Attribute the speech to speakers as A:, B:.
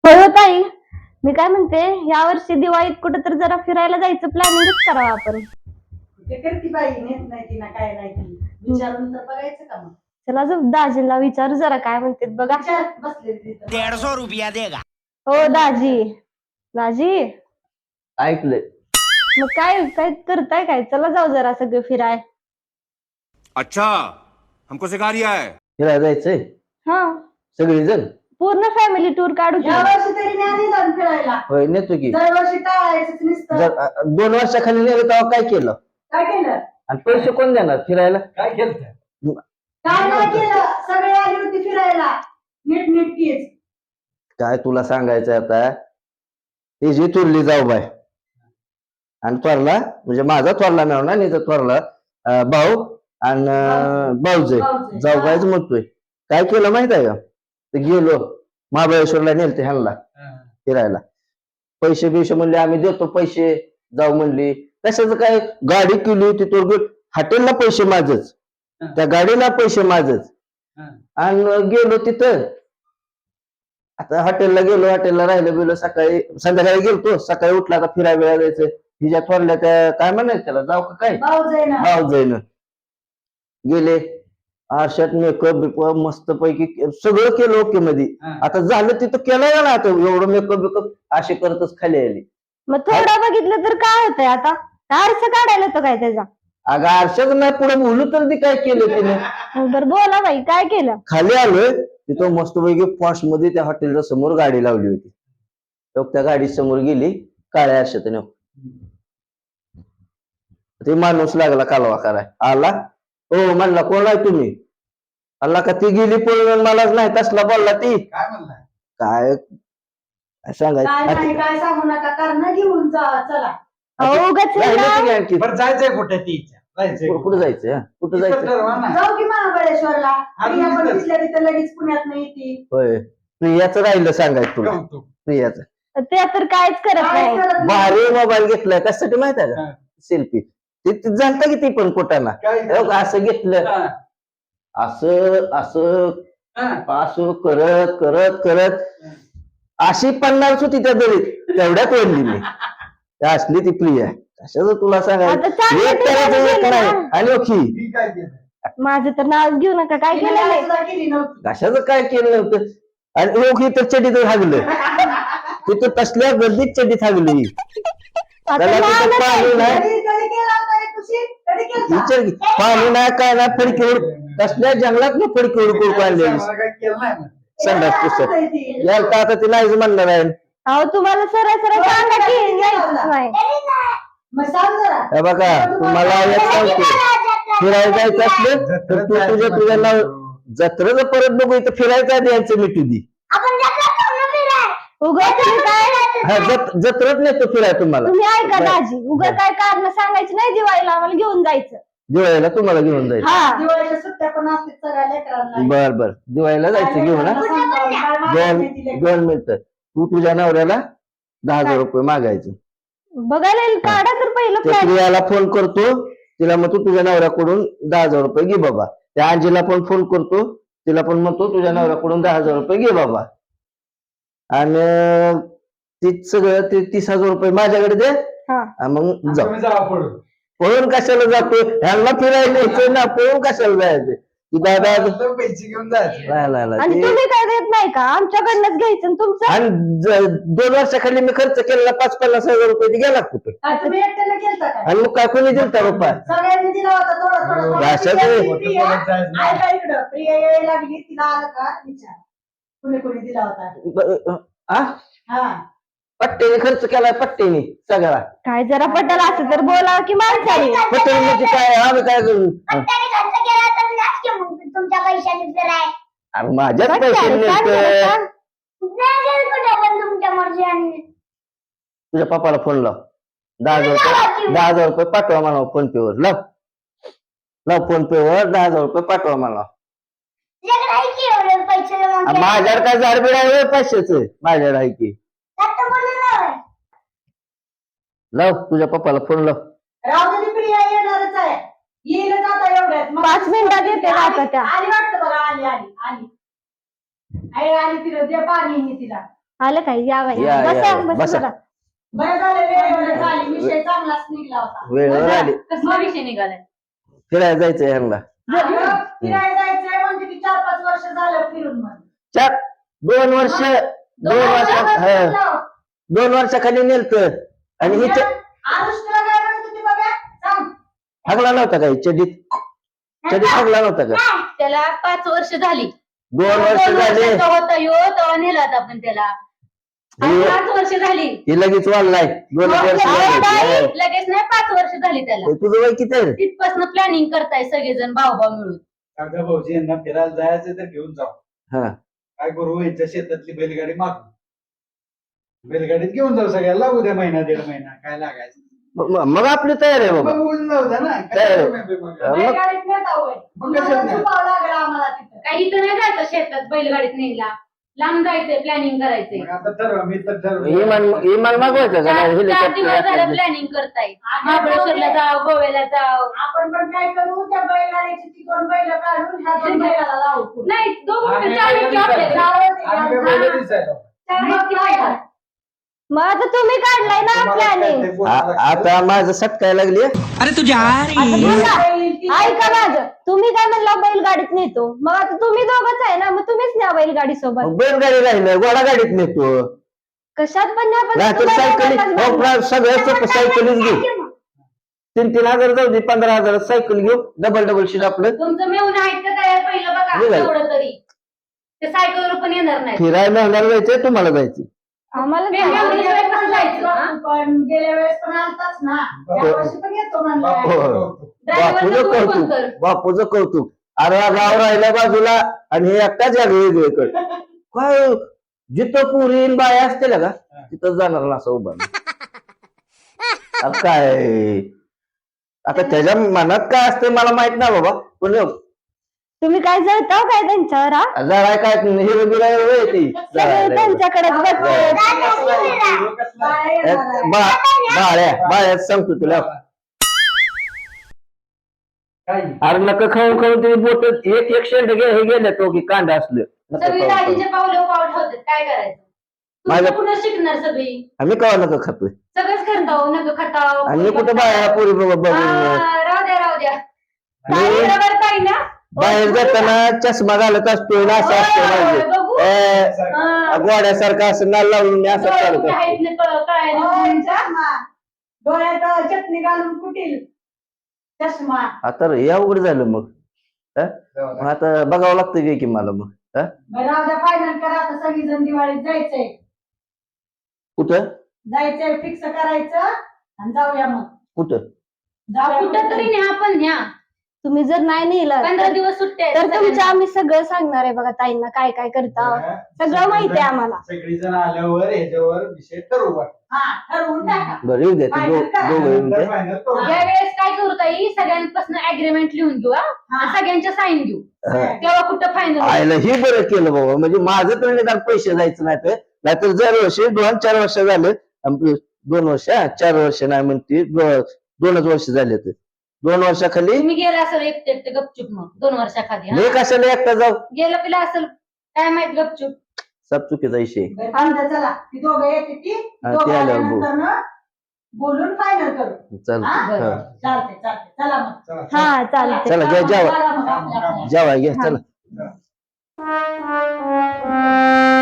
A: हो ताई, मी काय म्हणते, या वर्षी दिवाळीत कुठेतरी जरा फिरायला जायचं प्लॅनिंगच करावं आपण.
B: ते करती बाई नेत नाही ती ना काय नाही ती विचारून तर बघायचं का मग.
A: चला जर दाजीला विचारू जरा काय म्हणते बघा.
B: विचार बसले तिथं
C: 150 रुपया देगा.
A: हो दाजी, दाजी
D: ऐकलंय.
A: मग काय काय करताय काय? चला जाऊ जरा सगळे फिराय.
C: अच्छा, हमको सिखा रिया है.
D: फिरायला जायचंय
A: हा,
D: सगळेजण.
A: पूर्ण फॅमिली टूर काढू की.
B: या वर्षी तरी नाही जाऊन फिरायला.
D: होय नेतो की.
B: दरवर्षी टाळायचंच नुसतं.
D: जर 2 वर्षाखाली नेलं तेव्हा काय केलं
B: काय केलं
D: आणि पैसे कोण देणार फिरायला?
B: काय नाही केलं. सगळे आली होती फिरायला नीट नीटकीच.
D: काय तुला सांगायचं आता, ती जी थोरली जाऊ बाय आणि थोरला म्हणजे माझा थोरला नाव ना निचा थोरला भाऊ आणि भाऊजे
B: भाऊजे.
D: जाऊ बायच म्हणतोय. काय केलं माहित आहे का? ते गेलो महाबळेश्वरला नेलते ह्यांना फिरायला. पैसे बिशे म्हणले आम्ही देतो पैसे, जाऊ म्हणली. कशाचं काय, गाडी केली होती तो हॉटेलला पैसे माझच, त्या गाडीला पैसे माझच. आणि गेलो तिथं. आता हॉटेलला गेलो, हॉटेलला राहिलो गेलो, सकाळी संध्याकाळी गेलतो. सकाळी उठला आता फिरायला जायचं. हिच्या थोरल्या त्या काय म्हणायचं त्याला, जाऊ का काय
B: भाऊ जाईना.
D: भाऊ जाईन. गेले आरशात मेकअप बिकअप मस्त पैकी सगळं केलं ओके मध्ये. आता झालं तिथं केलं ना, आता एवढं मेकअप बिकअप असे करतच खाली आली.
A: मग थोडं बघितलं तर काय होतंय आता? आरसा काढायला होतं काय त्याचा?
D: अगं आरशाच नाही पुढे बोलू तर ती काय केलं तिने.
A: बरं बोला बाई, काय केलं?
D: खाली आलोय तिथं मस्त पैकी फॉस्ट मध्ये त्या हॉटेलच्या समोर गाडी लावली होती. लोक त्या गाडी समोर गेली काळ्या आरशात. ते माणूस लागला कालवा कराय. आला हो म्हणला कोण आहे तुम्ही? अल्ला का ती गेली पळून मलाच नाही तसला बोलला ती.
B: काय म्हणला?
D: काय
B: काय
D: सांगायचं
B: नाही काय सांगू नका, कारण घेऊन जा चला.
A: अहो उगाच
D: राहिलं
A: ना.
D: की आणखी.
E: बरं जायचंय कुठे ती जायचंय
D: कुठं जायचं हा? कुठं जायचं?
E: ठरवा ना.
B: जाऊ की महाबळेश्वरला.
E: आम्ही
B: प्रिया पण
E: तिथंच.
B: तिथल्या तिथं लगेच पुण्यात नाही ती.
D: होय प्रियाचं राहिलं सांगायचं तुला.
E: कौतुक.
D: प्रियाचं
A: ते तर काहीच करत
B: काय
A: नाही.
B: करत नाही.
D: भारी मोबाईल घेतलाय कशासाठी माहित आहे का?
E: हा.
D: सेल्फी. ते झालता की ती पण कुठाना
E: काय
D: असं घेतलं,
E: हा,
D: असं असं
E: हा.
D: असं करत करत करत अशी पन्नास होती त्या दरीत, तेवढ्यात ओढली मी. त्या असली ती प्रिया. कशाचं तुला
A: आता
D: सांगायचं,
A: चांगलं
D: एक करायचं
A: ठिकाणी
D: एक
A: गेलं
D: नाही.
A: ना.
D: आणि ओखी
E: मी काय केलं?
A: माझं तर नाव घेऊ नका. काय
B: तिने
A: केलं
B: काय
A: नाही.
B: सुद्धा केली नव्हती.
D: कशाचं काय केलं नव्हतं. आणि ओखी तर चडीत हागलं. तिथं तसल्या गर्दीत चडीत हागली.
A: आता
D: त्याला तिथं
A: नाव
D: पाणी
A: नका.
D: नाही,
B: कधी कधी केला होता रे खुशी? कधी केलता?
D: विचार की, पाणी नाही काय नाही, फडकीवर कसल्या जंगलात ना फडकीवर कुरकू आणलेली
E: मला काय केलं नाही ना.
D: संडास
B: केला
D: पुस्तक
B: होता ती.
D: याल तर आता ती नाहीच म्हणणार आहे.
A: अहो तुम्हाला सरळ सरळ सांगा की यायचंच नाही.
B: मग सांग जरा.
D: हे बघा तुम्हाला एक सांगतो, फिरायला जायचं असलं तर तू तुझ्या नाव जत्रेचं परत बघू, इथं फिरायचं आधी यांचं मिटू दे.
A: उगाच तुम्ही काय
D: हा जत्रत नेतो फिराय तुम्हाला.
A: तुम्ही ऐका
D: बरं.
A: दाजी, उगा काय कारण सांगायची नाही. दिवाळीला आम्हाला घेऊन जायचं.
D: दिवाळीला तुम्हाला घेऊन जायचं.
A: हा
B: दिवाळीच्या सुट्ट्या पण असतात सगळ्या लेकरांना.
D: बर बर दिवाळीला जायचं घेऊन. हा दोन मिनिटं. तू तुझ्या नवऱ्याला 10,000 रुपये मागायचे.
A: बघायला येईल. काढा तर पहिलं
D: त्या
A: प्लॅन.
D: प्रियाला फोन करतो, तिला म्हणतो तुझ्या नवऱ्याकडून 10,000 रुपये घे बाबा. त्या अंजीला पण फोन करतो, तिला पण म्हणतो तुझ्या नवऱ्याकडून 10,000 रुपये घे बाबा. आणि ती सगळं ते 30,000 रुपये माझ्याकडे दे.
A: हा.
D: आणि मग जाऊ.
E: तुम्ही जावा पळून.
D: पळून कशाला जातो? ह्यांना फिरायला यायचं ना, पळून कशाला जायचं? तू दादा
E: तर पैसे घेऊन जायचे.
D: नाही
A: आणि तुम्ही काय देत नाही का? आमच्याकडनंच घ्यायचं आणि तुमचं.
D: आणि 2 वर्षाखाली मी खर्च केलेला 5-50,000 रुपये ते गेला कुठे?
B: काय तुम्ही एकट्याने केलता काय?
D: आणि मग काय कोणी दिलता रुपये?
B: सगळ्यांनी दिला होता थोडा थोडा थोडा.
D: अशाच
B: प्रिया-
D: वेळी-
B: प्रिया- ऐका इकडं. प्रिया यायला लागली, तिला आलं का विचार. कुणी कुणी दिला होता? हा.
D: पट्टेने खर्च केलाय, पट्टेने सगळा.
A: काय जरा पटल असं तर बोला की माणसाने.
D: पट्टे म्हणजे काय, आम्ही काय करू?
F: तुमच्या पैशाने जर आहे
D: अरे माझ्याच
A: बघ
D: पैसे
A: त्याला, सांग जरा,
D: मिळतं.
A: सांग.
F: पण तुमच्या मर्जीने
D: तुझ्या पप्पाला फोन लाव. 10,000 रुपये पाठवा मला फोन पे वर. लाव फोन पे वर 10,000 रुपये पाठवा मला.
F: तुझ्याकडे आहे की एवढे पैसे जमा केले?
D: माझ्यावर काय झाडबिड आहे पैशाच? माझ्यावर आहे की.
F: आता बोललेलं आहे.
D: लाव तुझ्या पप्पाला फोन लाव.
B: राहू दे, प्रिया येणारच आहे. येईलच आता एवढ्यात. मग
A: 5 मिनिटात येते ना आता त्या.
B: आली वाटतं बघा. आली आली आली. आई आली तिला दे पाणी तिला.
A: आलं काय या बाई
D: या,
A: बसा
D: या,
A: बसा
D: बसा.
A: जरा.
B: बरं झालं वेळेवर झाली विषय चांगलाच निघला होता
D: वेळेवर आली
G: कसला विषय निघालाय
D: फिरायला जायचंय ह्यांना
B: अगं, फिरायला जायचंय म्हणते की 4-5 वर्ष झालं फिरून म्हणून
D: 2 वर्ष 2 वर्षाखाली नेलत आणि हिच्या
B: आरुष तुला काय म्हणत होती बघा सांग
D: हगला नव्हता काय चडीत हगला नव्हता का
G: त्याला 5 वर्ष झाली
D: 2 वर्ष झाले
G: होता यो तेव्हा नेलात आपण त्याला आणि 5 वर्ष झाली
D: ही लगेच वाढलाय 2 वर्ष झाले.
G: लगेच नाही 5 वर्ष झाली त्याला
D: तुझं वय किती आहे
G: तिथपासून प्लॅनिंग करताय सगळेजण भाऊ मिळून
E: काका भाऊजी यांना फिरायला जायचं तर घेऊन जाऊ
D: हा
E: काय करू यांच्या शेतातली बैलगाडी मागू बैलगाडीत घेऊन जाऊ सगळ्याला उद्या महिना 1.5 महिना काय लागायचं
D: मग आपली तयार आहे बाबा
E: मग बोलून जाऊ द्या ना
D: काय?
E: काय मग?
B: नाही गाडीत नेत आहोय
E: मग कशात नाही?
B: लागला आम्हाला तिथं
G: काही इथं नाही जायचं शेतात बैलगाडीत न्यायला लांब जायचंय प्लॅनिंग करायचंय
E: मग आता ठरवा मी तर ठरवलं.
D: इमान मागवायचं का
G: 4 दिवस झालं
D: हेलिकॉप्टर
G: प्लॅनिंग करताय महाबळेश्वरला जाव गोव्याला जाव
B: आपण पण काय करू त्या बैलगाडीची ती 2 बैल काढून ह्या 2 बैलाला लावू
G: नाही दोघं
E: आम्ही
G: चार व्यक्ती आपल्याकडे.
E: आम्ही काय बैलं दिसायला?
G: चार व्यक्ती पाहिजे.
A: मग आता तुम्ही काढलाय ना
E: तुम्हाला
A: प्लॅनिंग
E: काय ते बोलायला
D: आता माझं सटकाय लागली
A: ऐका माझं तुम्ही काय म्हणला बैलगाडीत नेतो मग आता तुम्ही दोघंच आहे ना मग तुम्हीच न्या बैलगाडी सोबत
D: बैलगाडी राहिलं घोडा गाडीत नेतो
A: कशात पण न्या पण
D: नाहीतर
A: तुम्हाला
D: सायकली
A: दोघांनाच बांधा.
D: सगळ्यात सोपं सायकलीच घेऊ 3,000 जाऊ दे 15,000 सायकल घेऊ डबल शीट आपलं
G: तुमचं मेहून आहेत का तयार पहिलं बघा
D: निघाल.
G: एवढं तरी ते सायकलवर पण येणार नाही
D: फिरायला होणार जायचंय तुम्हाला जायचं
A: आम्हाला
G: मेहून
A: जायचं.
G: एवढं कसं जायचं हा?
B: पण गेल्या वेळेस पण आलताच ना या वर्षी पण येतो म्हणलं
D: हो.
G: ड्रायव्हरचं
D: बापूचं
G: तू कोण कर?
D: कौतुक बापूचं कौतुक अरे हा गाव राहिला बाजूला आणि हे एकटाच या वेगवेगळीकडे काय जिथं पुरी बाया असतील का तिथं जाणार ना असं उभा अरे काय आता त्याच्या मनात काय असते मला माहित नाही बाबा पण
A: तुम्ही काय जळताव काय त्यांच्यावर हा?
D: जरा काय हिरो बिरा ती
A: सगळे त्यांच्याकडेच बघते
D: बाळ्या सांगतो तुला
E: काय
D: अरे नका खाऊन तुम्ही बोट एक शेंड हे गेले तो की कांदा असलं नका
G: सगळी
D: खाऊन खाऊन.
G: दाजींचे पावलं पाऊल ठेवतात काय करायचं
D: माझ्या-
G: तुम्ही कुठं शिकणार सगळी
D: आम्ही कवा नका खातोय
G: सगळंच करताव नग खताव
D: आणि मी कुठं बाया पोरी बघून
G: राहू द्या
D: मी
G: बरोबर ताई ना
D: बाहेर जाताना चष्मा घालत असतो ना असं असतो माझं.
G: बघू
D: गोड्यासारखं असं नाल लावून मी असं चालत असतो.
G: आहेत ना कळायला
B: डोळ्यात चटणी घालून कुटील चष्मा
D: आता रे अवघड झालं मग मग आता बघावं लागतं की मला मग
B: बरं आता फायनल करा आता सगळीजण दिवाळीत जायचंय
D: कुठं
B: जायचंय फिक्स करायचं आणि जाऊया मग
D: कुठं
B: जाऊया
G: कुठं तरी न्या पण न्या
A: तुम्ही जर नाही नेलं
G: 15 दिवस सुट्ट्या आहेत
A: तर तुमच्या
G: सगळ्यांना.
A: आम्ही सगळं सांगणार आहे बघा ताईंना काय काय करता सगळं माहिती आहे आम्हाला
E: सगळी जण आल्यावर ह्याच्यावर विषय ठरवू
B: हा ठरवून टाका
D: बरं येऊ द्या ते दोघं येऊन द्या.
E: फायनल करू
G: या वेळेस काय करू ताई सगळ्यांपासून अग्रीमेंट लिहून घेऊ हा? आणि सगळ्यांच्या साईन घेऊ
D: हा.
G: तेव्हा कुठं फायनल
D: आयला हे बरं केलं बाबा म्हणजे माझं तर निदान पैसे जायचं नाही तर नाहीतर दरवर्षी 2-4 वर्ष झालं 2 वर्ष 4 वर्ष नाही म्हणते 2च वर्ष झाले तर 2 वर्षाखाली
G: तुम्ही गेला असेल एकटे एकटे गपचूप मग 2 वर्षाखाली हा?
D: मी कशाला एकटा जाऊ
G: गेलं पिला असेल काय माहित गपचूप
D: सब चुकीचा विषय
B: बरं, आमच्या चला ती दोघं येते ती
D: हा,
B: दोघं
D: ती आल्यावर बोल.
B: आल्यानंतर ना बोलून फायनल करू
D: चालतं
G: बरं.
D: हा.
B: चालते चला मग
E: चला
A: हा चालते
D: चला घ्या जेवा
B: करा मग आपल्या- आपल्या.
D: जेवा घ्या चला